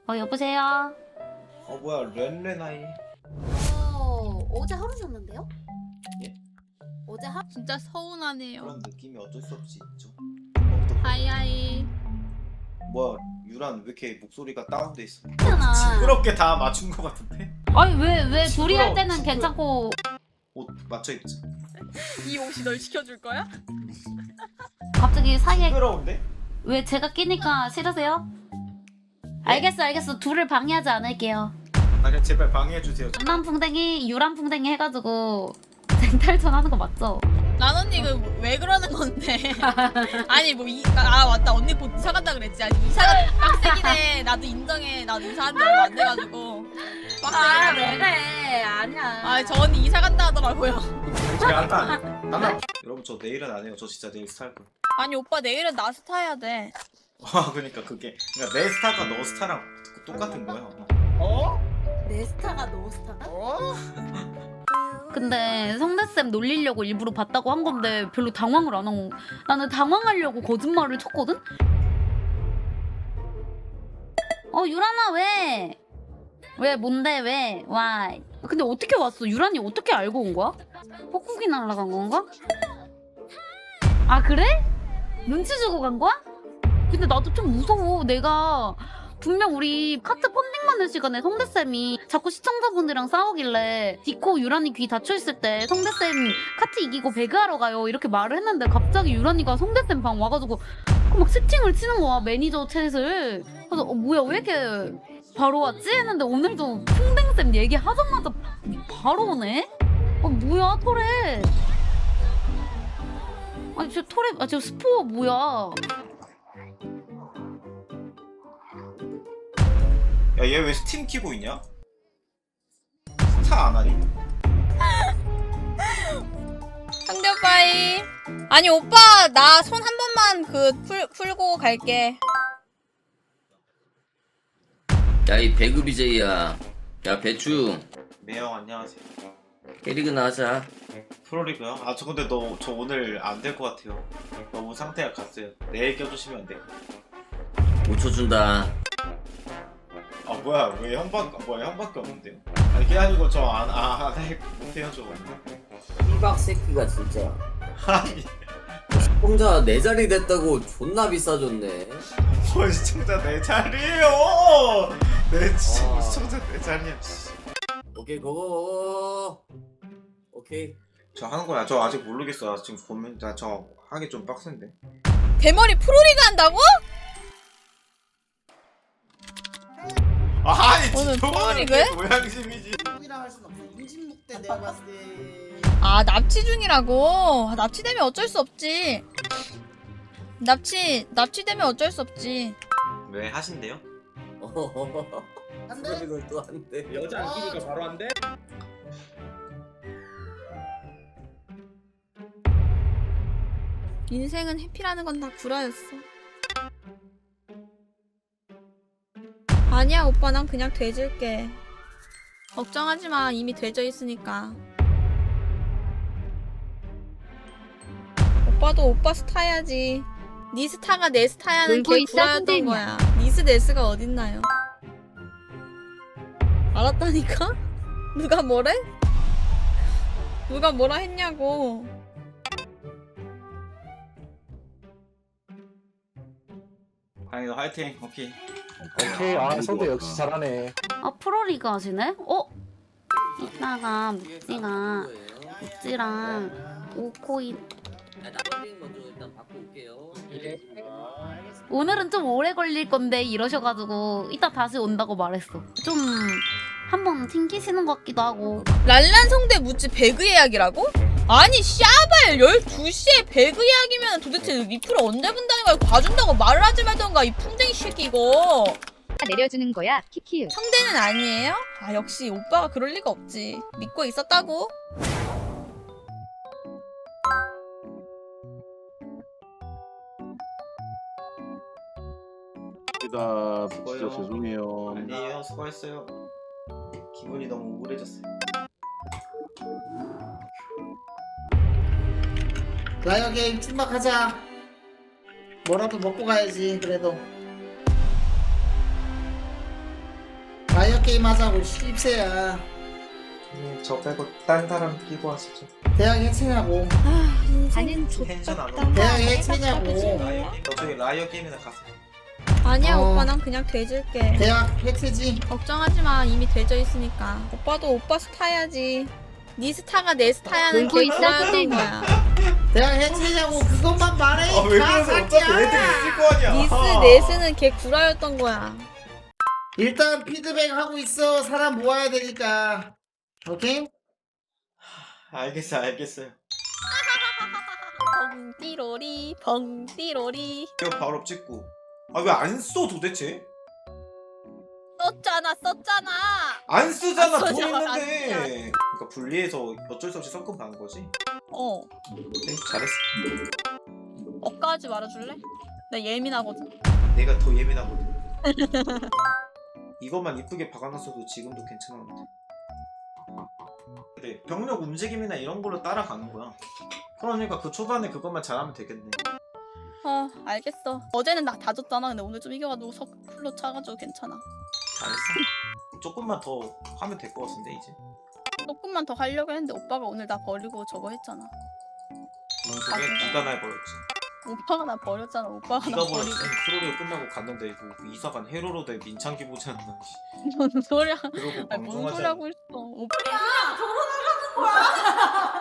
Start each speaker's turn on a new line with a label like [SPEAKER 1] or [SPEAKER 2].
[SPEAKER 1] 여보세요?
[SPEAKER 2] 뭐야 렌레나이.
[SPEAKER 3] 어제 하루 잤는데요?
[SPEAKER 2] 예?
[SPEAKER 3] 어제 하루
[SPEAKER 4] 진짜 서운하네요.
[SPEAKER 2] 그런 느낌이 어쩔 수 없이 있죠.
[SPEAKER 4] 하이하이.
[SPEAKER 2] 뭐야 유란 왜 이렇게 목소리가 다운돼 있어?
[SPEAKER 1] 괜찮아.
[SPEAKER 2] 징그럽게 다 맞춘 것 같은데?
[SPEAKER 1] 아니 왜 둘이 할
[SPEAKER 2] 시끄러워,
[SPEAKER 1] 때는
[SPEAKER 2] 시끄러워.
[SPEAKER 1] 괜찮고
[SPEAKER 2] 옷 맞춰 입자.
[SPEAKER 4] 이 옷이 널 시켜줄 거야?
[SPEAKER 1] 갑자기 사이에
[SPEAKER 2] 징그러운데?
[SPEAKER 1] 왜 제가 끼니까 싫으세요? 알겠어. 둘을 방해하지 않을게요.
[SPEAKER 2] 아니 제발 방해해 주세요.
[SPEAKER 1] 남풍뎅이 유람풍뎅이 해가지고 쟁탈전 하는 거 맞죠?
[SPEAKER 4] 난 언니 그 왜 그러는 건데? 아니 맞다 언니 곧 이사 간다 그랬지. 아니 이사가 빡세기네. 나도 인정해. 나도 이사한 지 얼마 안 돼가지고 빡세기네.
[SPEAKER 1] 그래 아니야.
[SPEAKER 4] 아저 언니 이사 간다 하더라고요.
[SPEAKER 2] 제가 한판 여러분 저 내일은 안 해요. 저 진짜 내일 스타일 거예요.
[SPEAKER 4] 아니 오빠 내일은 나 스타 해야 돼.
[SPEAKER 2] 그러니까 내 스타가 너 스타랑 똑같은 거야.
[SPEAKER 3] 내 스타가 너 스타가?
[SPEAKER 1] 근데 성대쌤 놀리려고 일부러 봤다고 한 건데 별로 당황을 안 하고 나는 당황하려고 거짓말을 쳤거든? 유란아 왜? 왜 뭔데 왜? 와 근데 어떻게 왔어? 유란이 어떻게 알고 온 거야? 뻐꾸기 날라간 건가? 아 그래? 눈치 주고 간 거야? 근데 나도 좀 무서워. 내가 분명 우리 카트 펀딩 많은 시간에 성대쌤이 자꾸 시청자분들이랑 싸우길래 디코 유란이 귀 닫혀있을 때 성대쌤 카트 이기고 배그하러 가요 이렇게 말을 했는데 갑자기 유란이가 성대쌤 방 와가지고 막 채팅을 치는 거야 매니저 챗을. 그래서 뭐야 왜 이렇게 바로 왔지? 했는데 오늘도 풍뎅쌤 얘기하자마자 바로 오네? 뭐야 토레. 아니 저 토레 저 스포 뭐야.
[SPEAKER 2] 야 얘 왜 스팀 키고 있냐? 스타 안 하니?
[SPEAKER 4] 상대 오빠이. 아니 오빠 나 손 한 번만 풀고 갈게.
[SPEAKER 5] 야 이 배그 BJ야. 야 배추
[SPEAKER 2] 매형 안녕하세요.
[SPEAKER 5] 캐리그나 하자.
[SPEAKER 2] 프로리그요? 저 근데 저 오늘 안 될 것 같아요. 너무 상태가 갔어요. 내일 껴주시면 안 돼요?
[SPEAKER 5] 5초 준다.
[SPEAKER 2] 뭐야 왜 형밖에 없는데요? 아니 그게 아니고 저 못해요 저거.
[SPEAKER 5] 삐박 새끼가 진짜.
[SPEAKER 2] 아니
[SPEAKER 5] 혼자 내 자리 됐다고 존나 비싸졌네.
[SPEAKER 2] 뭐 시청자 내 자리에요. 내 진짜 시청자 내 자리야.
[SPEAKER 5] 오케이 고고. 오케이.
[SPEAKER 2] 저 하는 거야. 저 아직 모르겠어. 지금 보면 저 하기 좀 빡센데.
[SPEAKER 4] 대머리 프로리그 한다고?
[SPEAKER 2] 아니
[SPEAKER 4] 오늘
[SPEAKER 2] 저거는
[SPEAKER 4] 프로리그에?
[SPEAKER 2] 모양심이지.
[SPEAKER 6] 이랑 할 순 없어. 임진묵 때 내가 봤을 때.
[SPEAKER 4] 아 납치 중이라고? 납치되면 어쩔 수 없지. 납치되면 어쩔 수 없지.
[SPEAKER 2] 왜 하신대요?
[SPEAKER 6] 안 돼?
[SPEAKER 5] 이걸 또 한대.
[SPEAKER 7] 여자 안 끼니까 바로 안 돼?
[SPEAKER 4] 인생은 해피라는 건 다 구라였어. 아니야 오빠 난 그냥 돼질게. 걱정하지 마. 이미 돼져 있으니까. 오빠도 오빠 스타 해야지. 니 스타가 내 스타야는
[SPEAKER 1] 놀고
[SPEAKER 4] 게
[SPEAKER 1] 있어,
[SPEAKER 4] 구라였던
[SPEAKER 1] 선생님.
[SPEAKER 4] 거야. 니스 네스가 어딨나요? 알았다니까? 누가 뭐래? 누가 뭐라 했냐고.
[SPEAKER 2] 아니 화이팅. 오케이.
[SPEAKER 7] 오케이. 성대 역시 잘하네.
[SPEAKER 1] 프로리그 하시네? 이따가 묵지랑 오코인
[SPEAKER 5] 나발링 먼저 일단 받고 올게요.
[SPEAKER 1] 오늘은 좀 오래 걸릴 건데 이러셔가지고 이따 다시 온다고 말했어. 좀 한번 튕기시는 것 같기도 하고.
[SPEAKER 4] 랄란 성대 묻지 배그 예약이라고? 아니 샤발 12시에 배그 예약이면 도대체 리플을 언제 본다는 거야. 봐준다고 말을 하지 말던가 이 풍뎅이 새끼 이거.
[SPEAKER 8] 내려주는 거야 키키유.
[SPEAKER 4] 성대는 아니에요? 아 역시 오빠가 그럴 리가 없지. 믿고 있었다고?
[SPEAKER 7] 진짜 죄송해요.
[SPEAKER 2] 아니에요. 수고했어요. 기분이 너무 우울해졌어요.
[SPEAKER 6] 라이어 게임 출막하자. 뭐라도 먹고 가야지 그래도. 라이어 게임 하자고 씹새야.
[SPEAKER 2] 저 빼고 딴 사람 끼고 하시죠.
[SPEAKER 6] 대학 해체냐고.
[SPEAKER 8] 가는
[SPEAKER 2] 텐션 안 오고.
[SPEAKER 6] 대학 해체냐고.
[SPEAKER 2] 라이어 게임. 저기 라이어 게임이나 가세요.
[SPEAKER 4] 아니야
[SPEAKER 6] 어.
[SPEAKER 4] 오빠 난 그냥 돼질게.
[SPEAKER 6] 대학 해체지.
[SPEAKER 4] 걱정하지 마 이미 돼져 있으니까. 오빠도 오빠 스타야지. 네 스타가 내 스타야는
[SPEAKER 8] 놀고 있다,
[SPEAKER 4] 개구라였던
[SPEAKER 8] 쌤이.
[SPEAKER 4] 거야.
[SPEAKER 6] 대학 해체냐고 그것만 말해.
[SPEAKER 2] 아 왜 그러세요? 어차피 애들 있을 거 아니야.
[SPEAKER 4] 니스 네스는 개 구라였던 거야.
[SPEAKER 6] 일단 피드백 하고 있어. 사람 모아야 되니까. 오케이?
[SPEAKER 2] 알겠어요.
[SPEAKER 4] 벙띠로리 벙띠로리.
[SPEAKER 2] 이거 바로 찍고. 아 왜 안 써 도대체?
[SPEAKER 4] 썼잖아.
[SPEAKER 2] 안 쓰잖아.
[SPEAKER 4] 안
[SPEAKER 2] 돈
[SPEAKER 4] 쓰잖아,
[SPEAKER 2] 있는데. 그러니까 분리해서 어쩔 수 없이 섞음 가는 거지.
[SPEAKER 4] 어.
[SPEAKER 2] 네, 잘했어.
[SPEAKER 4] 억까하지 말아줄래? 나 예민하거든.
[SPEAKER 2] 내가 더 예민하거든. 이것만 이쁘게 박아놨어도 지금도 괜찮았는데. 그래 병력 움직임이나 이런 걸로 따라가는 거야. 그러니까 그 초반에 그것만 잘하면 되겠네.
[SPEAKER 4] 아 알겠어. 어제는 나 다 졌잖아. 근데 오늘 좀 이겨가지고 풀로 차가지고 괜찮아.
[SPEAKER 2] 잘했어. 조금만 더 하면 될 것 같은데 이제.
[SPEAKER 4] 조금만 더 하려고 했는데 오빠가 오늘 나 버리고 저거 했잖아.
[SPEAKER 2] 뭔 소리야? 네가 날 버렸지.
[SPEAKER 4] 오빠가 나 버렸잖아. 오빠가 나
[SPEAKER 2] 네가
[SPEAKER 4] 버리고.
[SPEAKER 2] 버렸지. 프로리그 끝나고 갔는데 그 이사간 헤로로 대 민창기 보지 않나.
[SPEAKER 4] 뭔 소리야?
[SPEAKER 2] 그러고
[SPEAKER 4] 아니 뭔
[SPEAKER 2] 방송하지
[SPEAKER 4] 소리
[SPEAKER 2] 않나.
[SPEAKER 4] 하고 있어. 오빠